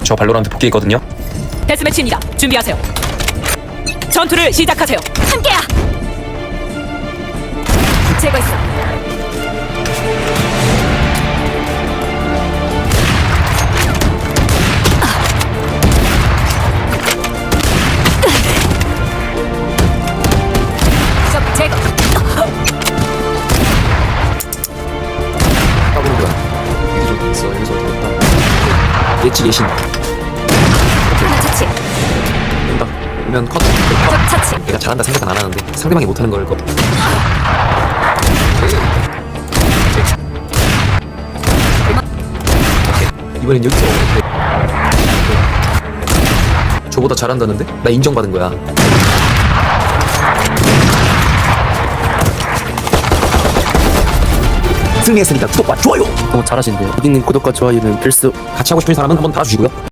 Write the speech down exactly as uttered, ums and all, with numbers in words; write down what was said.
저 발로란트 복귀했거든요. 데스매치입니다. 준비하세요. 전투를 시작하세요. 함께야. 제거했어. 적 제거. 까보는 거야. 여기 좀 있어. 여기서 됐다. 예치 예신. 하나 처치. 된다. 오면 컷. 컷. 적 처치. 내가 잘한다 생각은 안 하는데 상대방이 못하는 걸 거. 이번엔 여기서 네. 저보다 잘한다는데? 나 인정받은 거야. 승리했으니까 구독과 좋아요. 너무 잘하신대요. 여기 있는 구독과 좋아요는 필수. 같이 하고 싶은 사람은 한번 달아주시고요.